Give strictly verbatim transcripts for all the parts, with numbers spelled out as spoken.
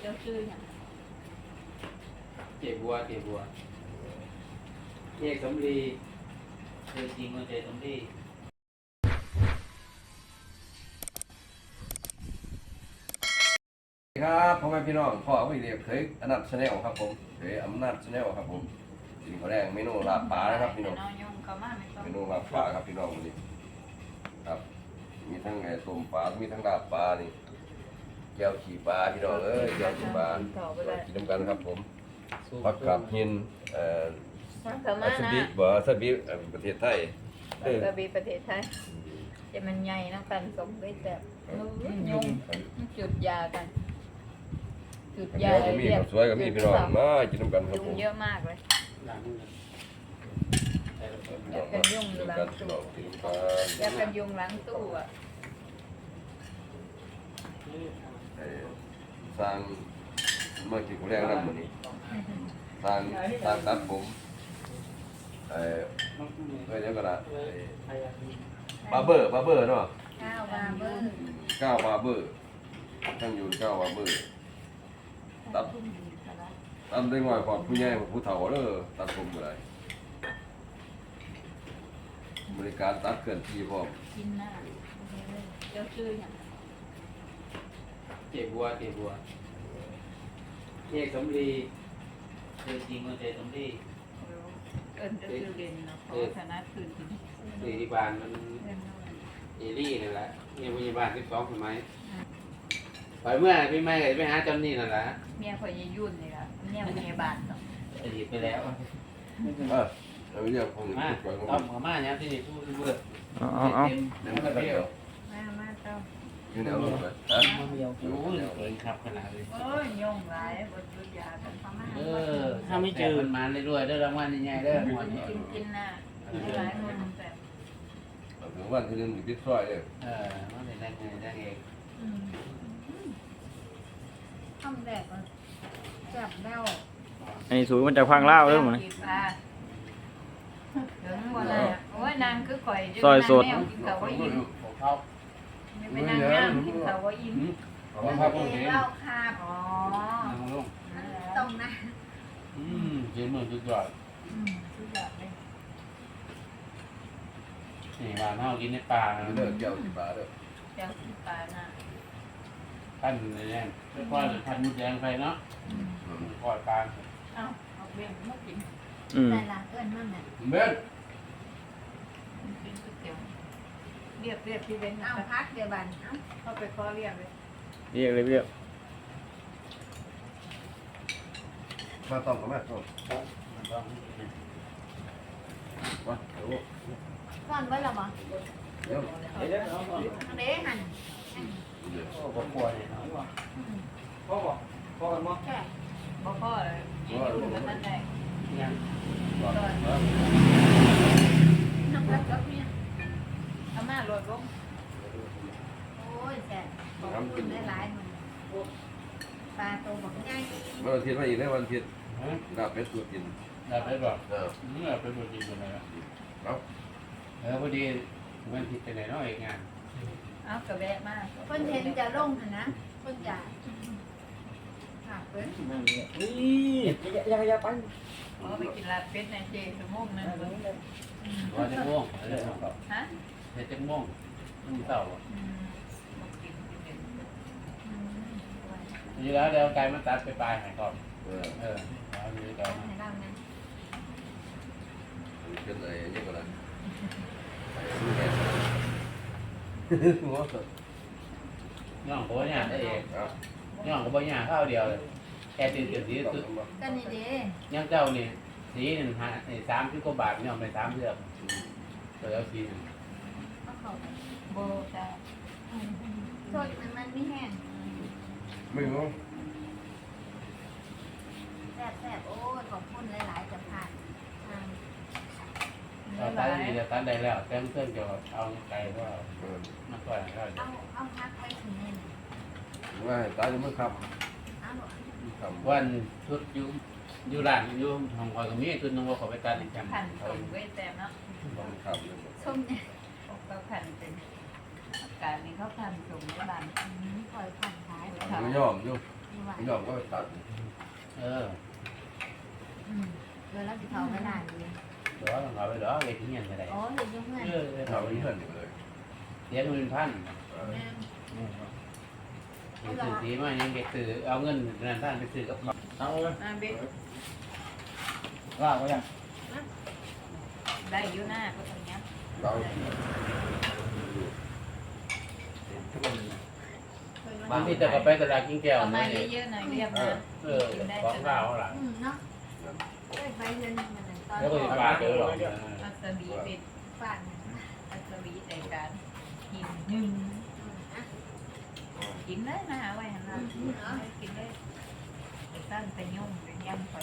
เจ้าชื่ออย่างเจ็บบัวเจ็บบัวเอกสำลีเคยจริงมาเจสำลีครับพ่อแม่พี่น้องพ่อไม่เรียกเคยอนัทชาแนลครับผมเคยอำนาจชาแนลครับผมกินข้าวแดงเมนูลาบปลานะครับพี่น้องเมนูลาบปลาครับพี่น้องวันนี้ครับมีทั้งไอ้ต้มปลามีทั้งลาบปลานี่แก้วขี่ปลาพี่น้องเอ้ยแก้วขี่ปลากินน้ำกันครับผมผักกาดหินเอ่อมาสนะบิบ่สบิประเทศไทยเออกระบี่ประเทศไทยจะมันใหญ่นะกันสมไปแบบยุ่งจุดยากันจุดยาก็มีข้าวสวยก็มีพี่น้องมากินน้ำกันครับยุ่ผงมเยอะมากเลยหลังอยากกันยุ่งหลังตู้อยากกันยุ่งหลังตู้อ่ะสร้างเมื่อกี้กูแรกนั่นมื้อนี้สร้างสร้างตัดผมเอ่อเอ้ยเดี๋ยวก่อนนะบาร์เบอร์บาร์เบอร์เนาะข้าวบาเบอร์ก้าวบาร์เบอร์ทั้งอยู่ก้าวบาร์เบอร์ตัดตัดได้ง่อยกว่าผู้ใหญ่กว่าผู้เฒ่าเด้อตัดผมบ่ได้บริการตัดเคลื่อนที่พร้อมกินหน้าเจ้าชื่ออย่างเจ็บบัวเจ็บบัวเอกสำลีเคยจริงมาเจสำลีเอิญจะชื่อเด่นนะเพราะคณะคืนกินสี่ที่บ้านมันเอรี่นี่แหละเนี่ยพยาบาลสิบสองสมัยไปเมื่อพี่แม่ไปหาจำนี่นั่นแหละเมียพอยายยุ่นนี่ละเมียพยาบาลเนาะอดีตไปแล้วเออเอาเรื่องผมมาพูดก่อนต้อมมาเนี่ยที่นี่พูดเบื่อเอาเอาเอาเต็มเต็มกระเทียวมามาเจ้าอยู่แนวลงไปฮะโอ้ยเกินขับขนาดเลยโอ้ยยงหลายบทจุดยากันประมาณเออถ้าไม่เจอมันมาเรื่อยๆได้รางวัลใหญ่ๆได้หมดกินกินน่ะหลายคนแต่เอาถึงวันที่หนึงอยู่ที่ซอยเด้อเออมันเป็นได้ไงได้เองทำแดกจับแบ้วอันนี้สูงมันจะพังเล่าวเด้อหมดถึงวันไหนโอ้ยนางคือข่อยกินเขาว่าอิ่มเขาไม่เป็นนางงามกินเขาว่าอิ่มเอามาพักผมเห็นเหล้าคาบอ๋อลงตรงนะอืมเจ็บมือสุดยอดทุกอย่างเลยนี่บ้านเฮากินในป่าอยู่เด้อแก้วสิบบาทเด้อเจ้าที่ปลาน่ะปั้นเลยเนี่ยค่อยๆพันมุดแดงไปเนาะค่อยปลาเอาเอาเบี้ยมากินอืมแต่ละเอื้อนนั่นน่ะเบ้นกินก๋วยเตี๋ยวเรียบเรียบที่เว้นเอาพักเดี๋ยวบันเอาเข้าไปขอเรียบเลยเรียกเลยเรียกมาต้องกับแม่ต้องมันต้องมาเดี๋ยวซ่อนไว้แล้วบ่เดี๋ยวเดี๋ยวเอาก่อนเด้หั่นเดี๋ยวโอ้บ่กลัวเนี่ยเนาะพ่อบอกพ่อกันมั้งแค่บ่พอเลยอยู่กันนั่นแหละยังก่อนน้ำกัดกับเมียเอามาโหลดลงโอ้ยแซ่บขอบคุณหลายๆมันปลาโตบักใหญ่วันอาทิตย์มาอีกได้วันอาทิตย์ลาบเป็ดตัวกินได้ไปบอกเออเมื่อไปบวชจริงคนไหนเอาเออพอดีมันผิดไปไหนเนาะเอกงานเอากระแบะมาเพิ่นเห็นจะลงหั่นนะเพิ่นจะค่ะเพิ่นนี่อย่าอย่าไปอ๋อไปกินลาบเป็ดในเจสมงนั่นเพิ่นร้อยจะม่วงอะไรเนาะฮะเฮ็ดจะม่วงมันเต่าอืมบ่กินกินเด่นอืมทีแล้วเดี๋ยวไก่มันตัดไปปลายหายก่อนเออเออเอาอยู่ก่อนให้เรานะเป็นอะไรนี่ก็ได้ไอ้ลูกแก่หัวสดย่องก็บ่ยากได้เองเอาย่องก็บ่ยากข้าวเดียวเลยแค่ตื่นตื่นสีต้องสุดทำบ่ก็นี่เด้ย่างเจ้านี่สีหนึ่งหาสามสิบกว่าบาทย่องไปสามเทือกตัวแล้วสีหนึ่งเอาเข้าไปโบจ้ะสดมันมันไม่แห้งไม่รู้แซ่บๆโอ้ยขอบคุณหลายๆจะผ่านทางเราตัดดีจะตัดได้แล้วแต่เพื่อนจะเอาไก่ว่าเออมาก่อนก็เอาเอาพักไว้ถึงนี่นะว่าให้ตายจะไม่ขับเอาหรอขับวันชุดอยู่อยู่ร้านอยู่ห้องคอยก็มีชุดนึงว่าเขาไปตัดอีกจังผ่านส่งไว้แซ่บเนาะต้องขับเลยส้มเนี่ยเขาผ่านเป็นอาการนี้เขาผ่านส่งในบ้านอืมคอยผ่านขายไม่ยอมอยู่ที่ว่าพี่น้องก็ตัดเอออืมเวลาที่เขาไม่นานเลยเดี๋ยวต้องเอาไปเดี๋ยวเวทีเงี้ยก็ได้อ๋อเห็นยังไงเออเราไปเพื่อนอยู่เลยเสียเงินพันเออแม่ซื้อสีมายังเด็กซื้อเอาเงินนั่นท่านไปซื้อกับเขาเอาเลยมาเบ็ดลากไว้ยังได้อยู่หน้าก็ตรงนี้เราบางทีจะก็ไปตลาดกินแก้วเอามานี่เยอะๆหน่อยเรียบนะเออของเราหลังอืมเนาะได้ไปเดือนมันตอนแล้วก็จะปาเจอหรอกอัศวีเป็นฟานอัศวีในการกินหนึ่งกินได้นะไว้หันหลังกินได้ไปตั้งแต่ย่อมไปย่ำไป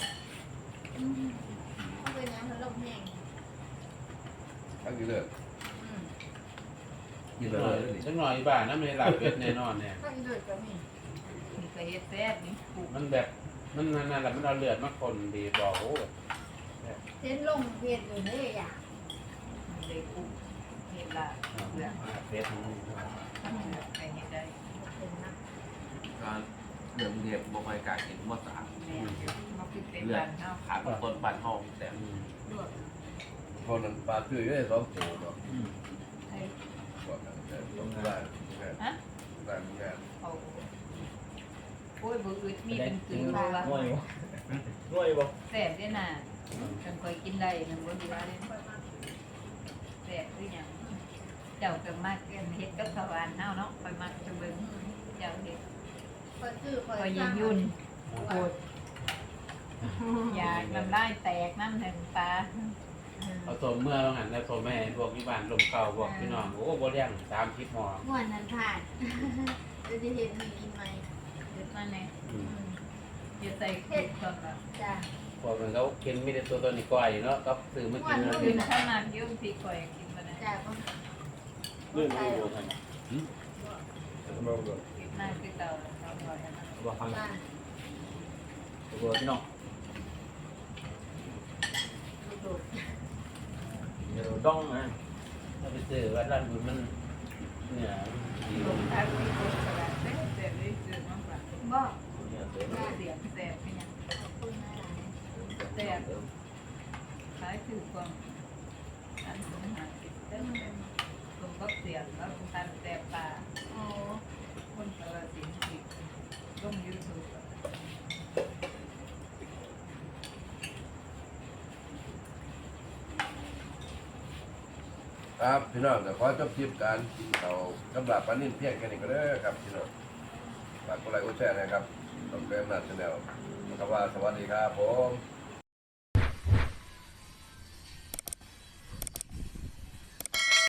เขาเป็นน้ำพัดลมแห้งทั้งที่เลิกอืมกินสักเลหน่อยยสักหน่อยบ้านนั้นไม่หลับเป็ดแน่นอนเนี่ยถ้าอีเดือดก็มีมีกระเฮ็ดแซ่บนี่ปลูกมันแบบมันนั่นแหละมันเอาเลือดมาคนดีบอกโอ้เส้นลงเพจอยู่นี่อย่างเลยปลูกเห็ดละเลือดเป็ดไปเห็ดได้เป็นนะการเรื่องเรียบบ่ค่อยกล้ากินบ่สะอาดแม่มาปิดเป็นบ้านเฮาขาดเป็นคนบ้านห้องแต่ลวกคนนั้นปลาคืออยู่ได้สองตัวเนาะให้ก่อนกันแต่ต้องได้ได้ได้ได้เขาโอ้ยบ่อึดมีเป็นตือว่าว่าง่วยบ่ง่วยบ่แซ่บเด้น่ะฉันเคยกินได้มันบ่ดีว่าเลยแซ่บคือหยังเจ้าก็มักเฮ็ดกับสวรรค์เฮาเนาะไปมักจะเบิ่งเจ้าเฮ็ดคอยซื้อคอยก็ยิงยุ่นโอดอยากน้ำลายแตกน้ำแห่งตาเอาสมเมื่อว่างั้นแล้วสมแม่พวกที่บ้านลมเก่าพวกพี่น้องโอ้บ่เลี้ยงตามคิดหมอม่วนนั้นผ่านจะได้เห็นมีกินไหมเด็ดมาเนี่ยอย่าใส่เผ็ดก่อนแบบจ้ะพวกมันเขากินมีแต่ตัวตัวนี้ก้อยเนาะก็ซื้อมากินแล้วกินข้าวมันยุ่งพีก่อยกินมาได้จ้ะก็เรื่องนี้บ่ทันบ่บ่กินหน้าคือเต่าเต่าก่อยนะบ่ฟังบ้านบ่พี่น้องดูดเดี๋ยวต้องนะถ้าไปซื้อวัดร้านบุญมันเนี่ยดีลงท้ายมีคนสลัดเส้นเสร็จเลยซื้อมากกว่าบอกเนี่ยเสร็จเสียงแสบไปยังขอบคุณนะแสบท้ายคือความอันสมหาสิเต้นตรงก็เสียงแล้วทันแสบตาโอ้คนสารสินติดลงยูทูบครับพี่น้องแต่ขอจบคลิปการกินเขากำลับปลานิ่นเพียงแค่นี้ก็ได้ครับพี่น้องฝากกดไลค์กดแชร์นะครับต้องเป็นหน้าชาแนลนะครับว่าสวัสดีครับผม